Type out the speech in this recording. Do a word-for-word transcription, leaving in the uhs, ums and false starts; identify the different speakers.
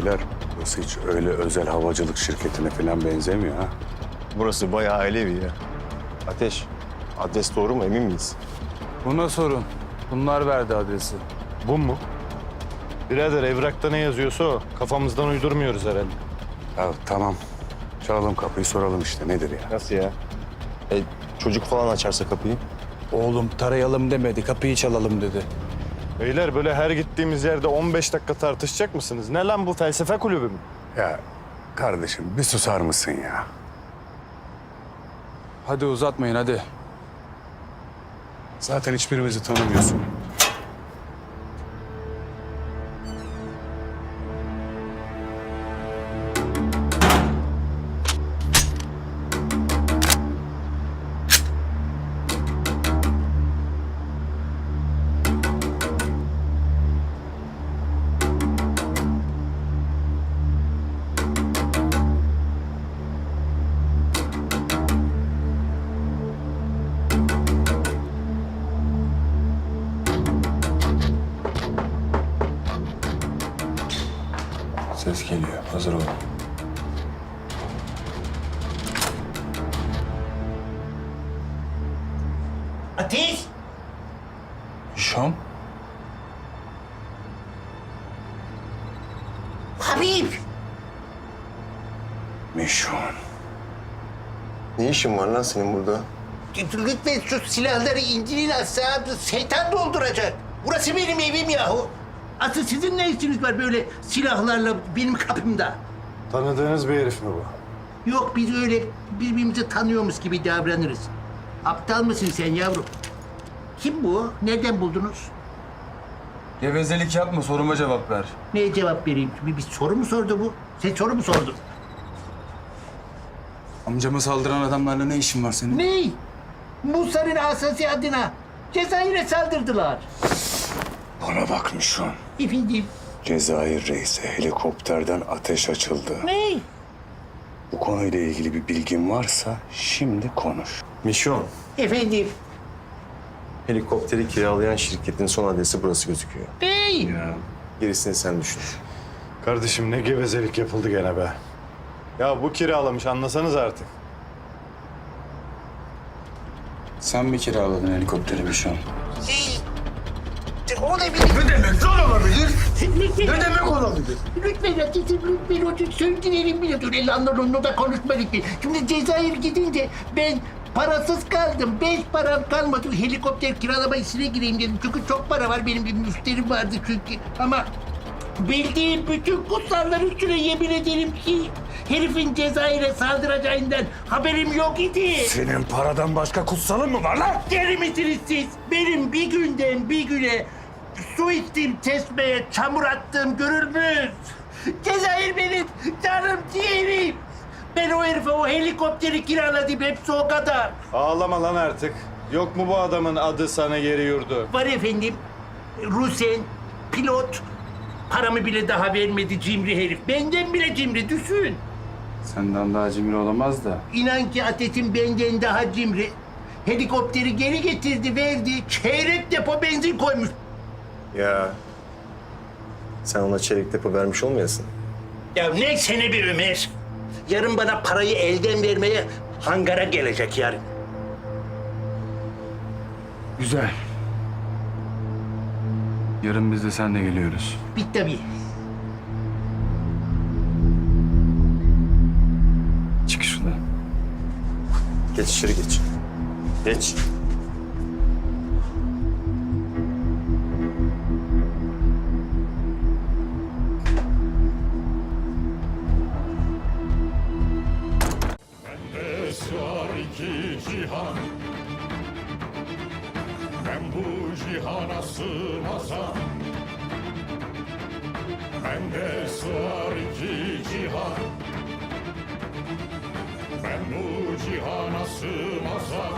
Speaker 1: beyler, burası hiç öyle özel havacılık şirketine falan benzemiyor ha.
Speaker 2: Burası bayağı ailevi ya. Ateş, adres doğru mu emin miyiz?
Speaker 3: Buna sorun. Bunlar verdi adresi.
Speaker 4: Bu mu? Birader evrakta ne yazıyorsa o. Kafamızdan uydurmuyoruz herhalde.
Speaker 1: Ya tamam, çalalım kapıyı soralım işte nedir ya.
Speaker 2: Nasıl ya? E, çocuk falan açarsa kapıyı.
Speaker 3: Oğlum tarayalım demedi, kapıyı çalalım dedi.
Speaker 4: Beyler böyle her gittiğimiz yerde on beş dakika tartışacak mısınız? Ne lan bu, felsefe kulübü mü?
Speaker 1: Ya kardeşim bir susar mısın ya?
Speaker 3: Hadi uzatmayın hadi.
Speaker 1: Zaten hiçbirimizi tanımıyorsun.
Speaker 3: Ses geliyor, hazır ol.
Speaker 5: Ateş!
Speaker 3: Şam?
Speaker 5: Habib!
Speaker 1: Mişon.
Speaker 2: Ne işin var lan senin burada?
Speaker 5: Lütfen şu silahları indirin aşağı, şeytan dolduracak. Burası benim evim yahu. Asıl sizin ne işiniz var böyle silahlarla benim kapımda?
Speaker 4: Tanıdığınız bir herif mi bu?
Speaker 5: Yok, biz öyle birbirimizi tanıyormuş gibi davranırız. Aptal mısın sen yavrum? Kim bu? Nereden buldunuz?
Speaker 3: Gevezelik yapma, soruma cevap ver.
Speaker 5: Neye cevap vereyim? Bir, bir soru mu sordu bu? Sen soru mu sordun?
Speaker 3: Amcama saldıran adamlarla ne işin var senin?
Speaker 5: Ne? Musa'nın asası adına Cezayir'e saldırdılar.
Speaker 1: Bana bak Mişon.
Speaker 5: Efendim?
Speaker 1: Cezayir reisi helikopterden ateş açıldı.
Speaker 5: Ne?
Speaker 1: Bu konuyla ilgili bir bilgin varsa şimdi konuş.
Speaker 2: Mişon,
Speaker 5: Efendim?
Speaker 2: helikopteri kiralayan şirketin son adresi burası gözüküyor.
Speaker 5: Bey!
Speaker 2: Gerisini sen düşün.
Speaker 4: Kardeşim ne gevezelik yapıldı gene be. Ya bu kiralamış, anlasanız artık.
Speaker 3: Sen mi kiraladın helikopteri bir şu an?
Speaker 5: Şey, o ne bileyim.
Speaker 6: Ne demek lan olabilir?
Speaker 5: Lütfen,
Speaker 6: Ne demek olabilir?
Speaker 5: lütfen Ateş'im, lütfen o söndürelim bile. Dur, elanlar onunla da konuşma lütfen. Şimdi Cezayir gidince ben parasız kaldım. Beş param kalmadı. Helikopter kiralama işine gireyim dedim. Çünkü çok para var. Benim bir müşterim vardı çünkü. Ama bildiğim bütün kutsallar üstüne yemin ederim ki herifin Cezayir'e saldıracağından haberim yok idi.
Speaker 1: Senin paradan başka kutsalın mı var lan?
Speaker 5: Deli misiniz siz? Benim bir günden bir güne su içtiğim çeşmeye çamur attığım görülmüş. Cezayir benim canım ciğerim. Ben o herife o helikopteri kiraladım, hepsi o kadar.
Speaker 4: Ağlama lan artık. Yok mu bu adamın adı sana geri yurdu?
Speaker 5: Var efendim, Rusen, pilot. Paramı bile daha vermedi cimri herif. Benden bile cimri, düşün.
Speaker 3: Senden daha cimri olamaz da.
Speaker 5: İnan ki Ateş'im benden daha cimri. Helikopteri geri getirdi, verdi. Çeyrek depo benzin koymuş.
Speaker 2: Ya, sen ona çeyrek depo vermiş olmayasın.
Speaker 5: Ya ne sene bir Ömer. Yarın bana parayı elden vermeye hangara gelecek yarın.
Speaker 3: Güzel. Yarın biz de seninle geliyoruz.
Speaker 5: Bit tabii.
Speaker 3: Çık şuradan.
Speaker 2: Geç içeri geç. Geç.
Speaker 7: Bende sığar iki cihan, ben bu cihana sığmazam. Bende sığar iki cihan, ben bu cihana sığmazam.